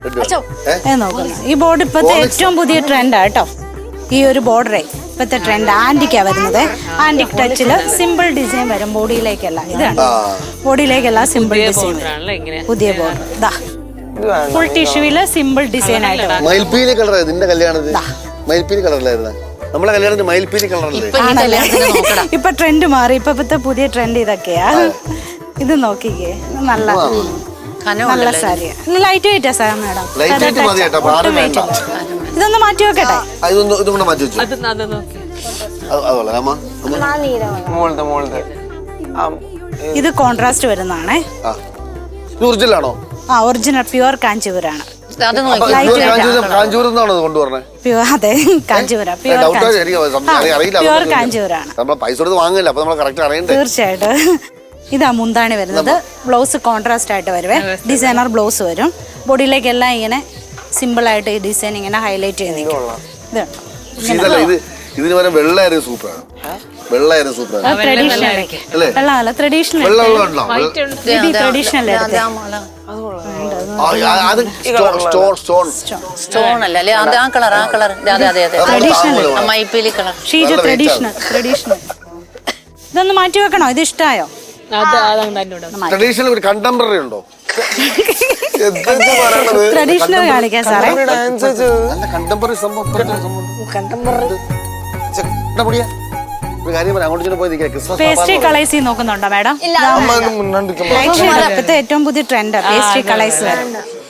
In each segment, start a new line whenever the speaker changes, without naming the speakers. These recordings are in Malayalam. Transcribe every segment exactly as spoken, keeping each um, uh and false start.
നോക്കുന്നു ഈ ബോർഡ് ഇപ്പോഴത്തെ ഏറ്റവും പുതിയ ട്രെൻഡാ കേട്ടോ. ഈ ഒരു ബോർഡറേ ഇപ്പോഴത്തെ ട്രെൻഡ് ആന്റിക്കാ വരുന്നത്. ആന്റിക് ടച്ചില് സിമ്പിൾ ഡിസൈൻ വരും ബോഡിയിലേക്കല്ല. ഇതാണ് ബോഡിയിലേക്കല്ല സിമ്പിൾ ഡിസൈൻ. പുതിയ ബോർഡർ ഇതാ ഫുൾ ടിഷ്യൂവില് സിമ്പിൾ ഡിസൈൻ ആയിട്ട്.
മയിൽപ്പീലി കളർ നിന്റെ കല്യാണത്തിന് മയിൽപ്പീലി കളറിലായിരുന്നു. നമ്മളെ കല്യാണത്തിന് മയിൽപ്പീലി കളറല്ലേ
ഇപ്പൊ ട്രെൻഡ് മാറി. ഇപ്പത്തെ പുതിയ ട്രെൻഡ് ഇതൊക്കെയാ. ഇത് നോക്കിക്കേ നല്ല നല്ല സാരിയാ. ലൈറ്റ് വെയിറ്റാ സാർ മേഡം. ഇതൊന്ന് മാറ്റി വെക്കട്ടെ. ഇത് കോൺട്രാസ്റ്റ് വരുന്നതാണേ.
ഒറിജിനലാണോ?
ആ ഒറിജിനൽ പ്യുവർ കാഞ്ചീപുരാണ്. പ്യുവർ അതെ കാഞ്ചീപുരം പ്യുവർ കാഞ്ചീപുരാണ്. തീർച്ചയായിട്ടും. ഇതാ മുന്താണി വരുന്നത്. ബ്ലൗസ് കോൺട്രാസ്റ്റ് ആയിട്ട് വരുവേ. ഡിസൈനർ ബ്ലൗസ് വരും. ബോഡിയിലേക്കെല്ലാം ഇങ്ങനെ സിമ്പിൾ ആയിട്ട് ഈ ഡിസൈൻ ഇങ്ങനെ ഹൈലൈറ്റ് ചെയ്ത് നിൽക്കും. ട്രഡീഷണൽ ഇതൊന്ന് മാറ്റി വെക്കണോ? ഇത് ഇഷ്ടായോ?
ട്രഡീഷണൽ കണ്ടംപററി ഉണ്ടോ?
ട്രഡീഷണൽ കാണിക്കാൻ സാറേ.
കണ്ടംപററി സംഭവം
പേസ്ട്രി കളേഴ്സ് നോക്കുന്നുണ്ടോ മാഡം? ഇപ്പോഴത്തെ ഏറ്റവും പുതിയ ട്രെൻഡ് പേസ്ട്രി കളേഴ്സ് വരും.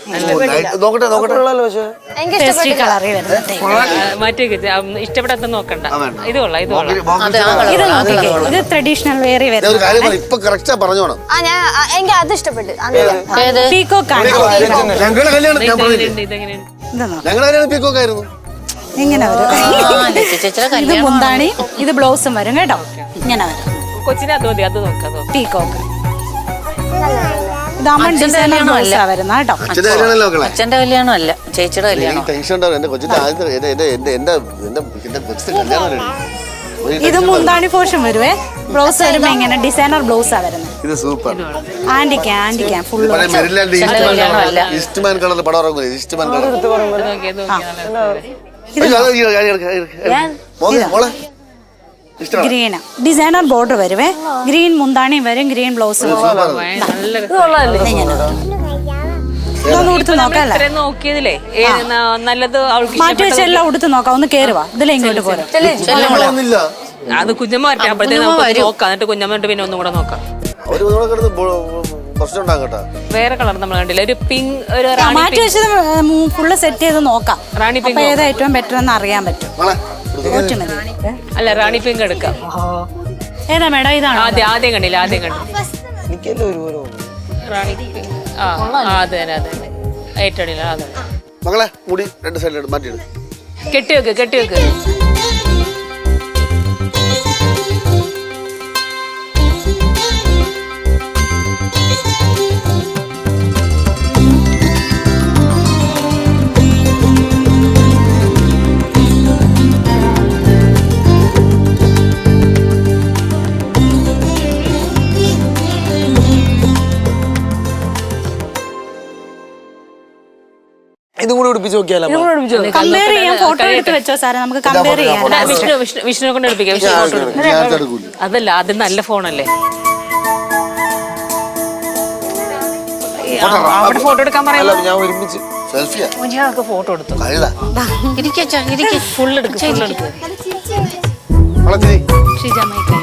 പേസ്ട്രി കളറിൽ വരുന്നത്
ഇഷ്ടപ്പെടാത്ത നോക്കണ്ട. ഇത് കൊള്ളാം. ഇത്
ഇത് നോക്കിക്കേ. ഇത് ട്രഡീഷണൽ വേറെ വരുന്നത്.
അത് ഇഷ്ടപ്പെട്ടു.
പീക്കോക്ക് ആണ്.
പീക്കോക്കായിരുന്നു.
ഇങ്ങനെ വരും. ഇത് മുന്താണി ഇത് ബ്ലൗസും വരും കേട്ടോ. ഇങ്ങനെ വരും.
കൊച്ചിനെ അത് മതി. അത് നോക്കാം.
പീക്കോക്ക് ഇതാമൺ ഡിസൈനർ ബ്ലൗസാ വരുന്ന കേട്ടോ.
അച്ഛന്റെ കല്യാണം അല്ല, ചേച്ചിയുടെ കല്യാണം.
ഇത് മുന്താണി പോർഷൻ വരുവേ. ബ്ലൗസ് വരുമ്പോ ഇങ്ങനെ ഡിസൈനർ ബ്ലൗസാ വരുന്നത്.
ഇത് സൂപ്പർ.
ആന്റിക്കാ ആന്റിക്കാ ഫുൾ.
ഈസ്റ്റ്മാൻ കളർ പടം ഇറങ്ങും. Eastman colour
green designer border വരുവേ. ഗ്രീൻ മുന്താണി വരും. ഗ്രീൻ ബ്ലൗസ്
നോക്കിയതില്ലേ നല്ലത്
മാറ്റി വെച്ചെല്ലാം ഉടുത്ത് നോക്കാം. ഒന്ന് കേറുവാ. ഇതിലെ ഇങ്ങോട്ട് പോരാ.
അത് കുഞ്ഞമ്മ വരട്ടെ. അപ്പോഴത്തേക്ക് നോക്കാം. എന്നിട്ട് കുഞ്ഞമ്മ പിന്നെ ഒന്നും കൂടെ നോക്കാം. വേറെ കളർ നമ്മൾ കണ്ടില്ല. ഒരു പിങ്ക് ഒരു
മാറ്റി വെച്ചത് ഫുള്ള് സെറ്റ് ചെയ്ത് നോക്കാം. റാണി പിങ്ക് ഏതാ ഏറ്റവും ബെറ്റർ എന്ന് അറിയാൻ പറ്റും.
അല്ല റാണി പിങ്ക് എടുക്കാം.
ഏതാ മേഡം? ഇതാണ്
ആദ്യം ആദ്യം കണ്ടില്ല. ആദ്യം കണ്ടു റാണി പിങ്ക്. ആ അതെ അതെ ഏറ്റവും അതെ.
മകളെ മുടി രണ്ട് സൈഡിൽ മാറ്റിയിട്.
കെട്ടിവെക്ക് കെട്ടിവെക്ക്.
ഇതും കൂടെ ഉടുപ്പിച്ച് നോക്കിയാലോ?
കമ്പയർ ചെയ്യാൻ ഫോട്ടോ എടുത്ത് വെച്ചോ സാറേ. നമുക്ക് കമ്പയർ ചെയ്യാം.
വിഷ്ണു വിഷ്ണുവിനെ കൊണ്ട് എടുപ്പിക്കാം. അതല്ല അത് നല്ല ഫോണല്ലേ. അവിടെ ഫോട്ടോ എടുക്കാൻ പറയാം.
ഞാൻ ഒരുമിച്ച്
ഞങ്ങൾക്ക് ഫോട്ടോ എടുത്തു. ഫുൾ എടുക്കും.
ഷിജ മൈക്ക്